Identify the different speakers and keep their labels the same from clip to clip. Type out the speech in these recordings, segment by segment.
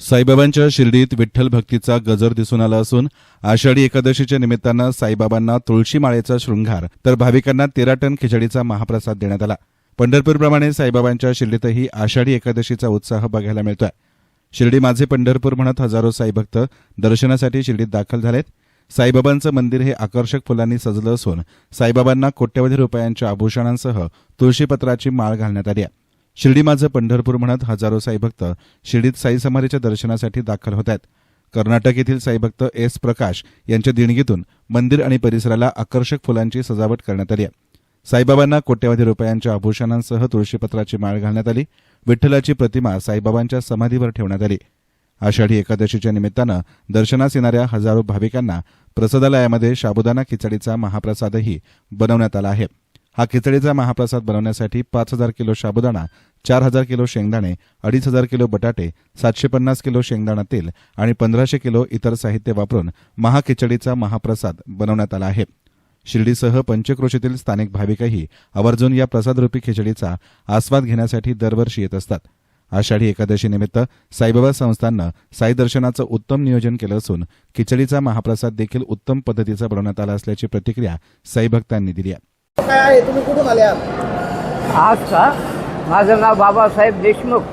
Speaker 1: साईबाबांच्या शिर्डीत विठ्ठल भक्तीचा गजर दिसून आला असून आषाढी एकादशीच्या निमित्तानं साईबाबांना तुळशी माळेचा शृंगार तर भाविकांना 13 टन खिचडीचा महाप्रसाद देण्यात आला। पंढरपूरप्रमाणे साईबाबांच्या शिर्डीतही आषाढी एकादशीचा उत्साह बघायला मिळतोय। शिर्डी माझे पंढरपूर म्हणत हजारो साईभक्त दर्शनासाठी शिर्डीत दाखल झालेत। साईबाबांचं मंदिर हे आकर्षक फुलांनी सजलं असून साईबाबांना कोट्यवधी रुपयांच्या आभूषणांसह तुळशीपत्राची माळ घालण्यात आली आहे। शिर्डी माझं पंढरपूर म्हणत हजारो साईभक्त शिर्डीत साई समाधीच्या दर्शनासाठी दाखल होत आहेत। कर्नाटक येथील साईभक्त एस प्रकाश यांच्या देणगीतून मंदिर आणि परिसराला आकर्षक फुलांची सजावट करण्यात आली आहे। साईबाबांना कोट्यवधी रुपयांच्या आभूषणांसह तुळशीपत्राची माळ घालण्यात आली। विठ्ठलाची प्रतिमा साईबाबांच्या समाधीवर ठेवण्यात आली। आषाढी एकादशीच्या निमित्तानं दर्शनास येणाऱ्या हजारो भाविकांना प्रसादालयामध्ये साबुदाणा खिचडीचा महाप्रसादही बनवण्यात आला आहे। हा खिचडीचा महाप्रसाद बनवण्यासाठी 5000 किलो साबुदाणा, 4000 किलो शेंगदाणे, 2500 किलो बटाटे, 750 किलो शेंगदाणा तेल आणि 1500 किलो इतर साहित्य वापरून महाखिचडीचा महाप्रसाद बनवण्यात आला आहे। शिर्डीसह पंचक्रोशीतील स्थानिक भाविकही आवर्जून या प्रसादरूपी खिचडीचा आस्वाद घेण्यासाठी दरवर्षी येत असतात। आषाढी एकादशी निमित्त साईबाबा संस्थाननं साई दर्शनाचं उत्तम नियोजन केलं असून खिचडीचा महाप्रसाद देखील उत्तम पद्धतीचा बनवण्यात आला असल्याची प्रतिक्रिया साईभक्तांनी दिली आहे।
Speaker 2: काय आहे, तुम्ही कुठून आले आहात?
Speaker 3: आज का माझं नाव बाबासाहेब देशमुख।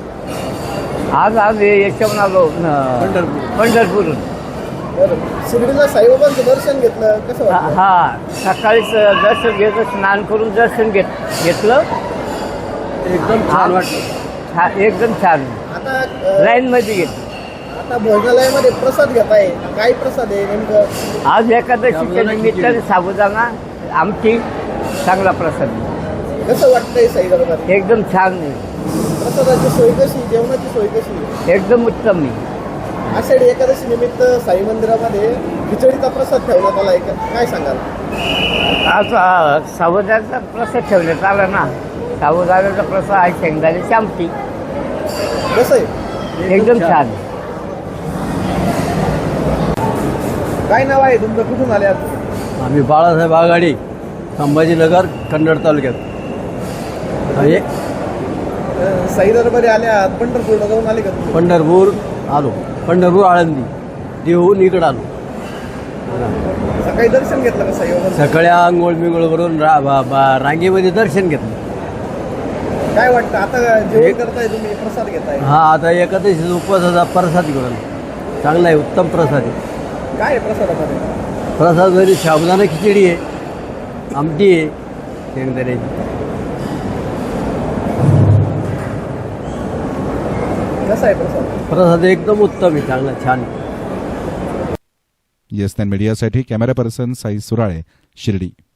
Speaker 3: आज याच्यावरून आलो पंढरपूर।
Speaker 2: शिर्डीला साईबाबांचं दर्शन घेतलं, कसं वाटलं?
Speaker 3: हा, सकाळीच दर्शन घेतलं, स्नान करून दर्शन घेतलं।
Speaker 2: एकदम छान वाटलं।
Speaker 3: एकदम छान।
Speaker 2: आता
Speaker 3: लाईन मध्ये घेतलं।
Speaker 2: आता भोजनालयामध्ये प्रसाद घेताय, काय प्रसाद आहे नेमकं?
Speaker 3: आज एकादशीच्या निमित्ताने साबुदाणा आमटी चांगला प्रसाद।
Speaker 2: कसं वाटतंय साईबाबांना?
Speaker 3: एकदम छान।
Speaker 2: प्रसादाची सोय कशी, जेवणाची सोय कशी?
Speaker 3: एकदम उत्तम।
Speaker 2: आषाढी एकादशी निमित्त साई मंदिरामध्ये खिचडीचा प्रसाद ठेवण्यात आलाय, काय सांगाल?
Speaker 3: आज साबुदाण्याचा प्रसाद ठेवण्यात आला ना। साबुदाण्याचा प्रसाद आहे, शेंगदाण्याची आमटी।
Speaker 2: कसं आहे?
Speaker 3: एकदम छान।
Speaker 2: काय नाव आहे तुमचं, कुठून आले आहात?
Speaker 4: आम्ही बाळासाहेब आघाडी, संभाजीनगर, कन्नड तालुक्यात।
Speaker 2: साई दरबारी आले आहात, पंढरपूरला जाऊन आले का तुम्ही?
Speaker 4: पंढरपूर आलो, पंढरपूर आळंदी देहून इकडं आलो।
Speaker 2: सकाळी दर्शन घेतलं का साईबाबांचं?
Speaker 4: सकाळी आंघोळ बिंगोळ करून रांगेमध्ये दर्शन घेतलं।
Speaker 2: काय वाटतं आता जेवण करताय तुम्ही, प्रसाद घेताय?
Speaker 4: हा, आता एकादशी उपवासाचा प्रसाद घेऊन चांगला आहे, उत्तम प्रसाद आहे।
Speaker 2: काय आहे प्रसादामध्ये?
Speaker 4: प्रसाद साबुदाणा खिचडी आहे, आमटी आहे शेंगदाण्याची।
Speaker 2: कसा आहे प्रसाद?
Speaker 4: प्रसाद एकदम उत्तम आहे, चांगला छान।
Speaker 1: येस मीडियासाठी कॅमेरा पर्सन साई सुराळे, शिर्डी।